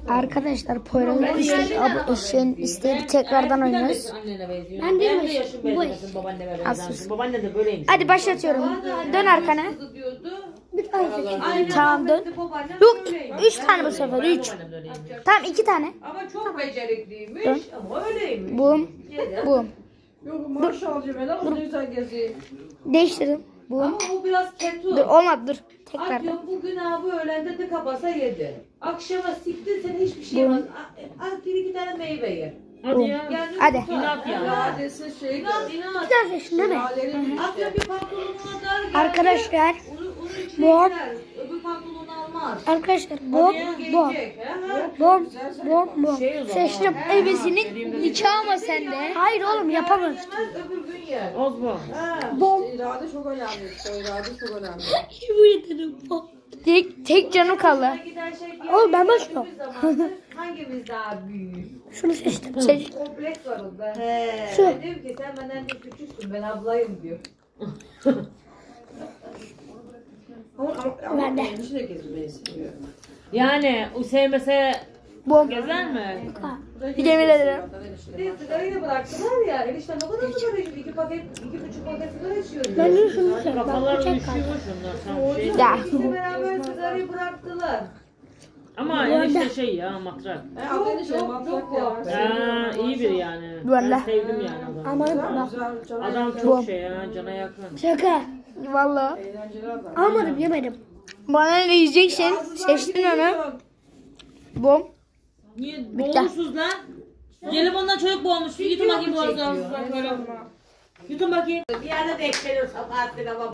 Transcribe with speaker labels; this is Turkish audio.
Speaker 1: Arkadaşlar Poyraz'ın istedi tekrardan oynuyoruz.
Speaker 2: Ben de yaşım benzemesin, babaanneme benzersin. Babaanne de böyleymiş.
Speaker 1: Hadi başlatıyorum. Dön arkana.
Speaker 3: Bir tane
Speaker 1: Tamam dön. Yok 3 tane bu sefer 3. Tamam 2 tane.
Speaker 4: Ama çok becerikliymiş
Speaker 1: Dön.
Speaker 4: ama öyleymiş.
Speaker 1: Bum. Bum.
Speaker 4: Yok maşallah ben ama ne güzel geziyor.
Speaker 1: Değiştirdim. Bum.
Speaker 4: Ama o biraz ketu.
Speaker 1: Dur olmadı dur. Tekrardan.
Speaker 4: Atıyorum bugün abi öğlende tıka basa yedi. Akşama siktin sen hiçbir şey yemez. Az bir iki tane meyve ye.
Speaker 2: Hadi ya.
Speaker 4: Yani
Speaker 1: Hadi.
Speaker 2: İnat yani.
Speaker 4: İradesi şey. İnat.
Speaker 1: Bir tane seçtin değil mi?
Speaker 4: Atıyorum bir pantolonuna dar geldi.
Speaker 1: Arkadaşlar.
Speaker 4: Onu içine
Speaker 1: Bom.
Speaker 4: girer. Öbür pantolonu almaz.
Speaker 1: Arkadaşlar bom bom.
Speaker 4: Gelecek. he?
Speaker 1: Bom bom bom.
Speaker 2: Şey o zaman.
Speaker 1: Seçtim. Ebesinin nikahı mı sende? Hayır oğlum yapamaz.
Speaker 4: Yemez öbür gün yer.
Speaker 2: Ozbo.
Speaker 4: Ha.
Speaker 1: Bom.
Speaker 4: İrade çok önemli. İrade çok önemli.
Speaker 1: Bu yeterim bom. Tek canım kaldı.
Speaker 4: Giden şey
Speaker 1: Oğlum ben başlıyorum.
Speaker 4: Hangimiz daha büyük?
Speaker 1: Şunu seçtim. Seç.
Speaker 4: Kompleks var onda. He.
Speaker 1: Şu.
Speaker 4: Diyor ki sen benden de küçüksün ben ablayım diyor.
Speaker 1: Ben de.
Speaker 4: de gezmeyi istiyor.
Speaker 2: Yani o sevmese
Speaker 1: Bom.
Speaker 2: gezer mi?
Speaker 1: Bir de yemin ederim.
Speaker 4: Bir sigarayı da bıraktılar ya. Eniştem o kadar sigara içiyor. 2 paket, 2,5 paket sigara içiyor diyor.
Speaker 1: Ben de şunu seç.
Speaker 2: Kafalar
Speaker 1: Bak
Speaker 2: uyuşuyor
Speaker 1: bıçak kaldı.
Speaker 2: şunlar. Tam şey.
Speaker 1: Ya.
Speaker 4: İkisi beraber sigarayı bıraktılar.
Speaker 2: Ama enişte şey ya matrak.
Speaker 4: Çok muhabbet.
Speaker 2: Ha, iyi bir yani.
Speaker 1: Vallahi.
Speaker 2: Ben sevdim yani adamı.
Speaker 1: Aman bak.
Speaker 2: Adam çok şey ya, cana yakın.
Speaker 1: Şaka. Vallahi.
Speaker 4: Eğlenceli adam.
Speaker 1: Almadım yemedim. Bana ne yiyeceksin? Seçtin onu. Bom.
Speaker 2: Niye boğulmuşsunuz lan? Gelip ondan çocuk boğulmuş. Yutun bakayım boğazlarınızdan böyle. Yutun bakayım.
Speaker 4: Bir yerde denk geliyor Sabahattin ama.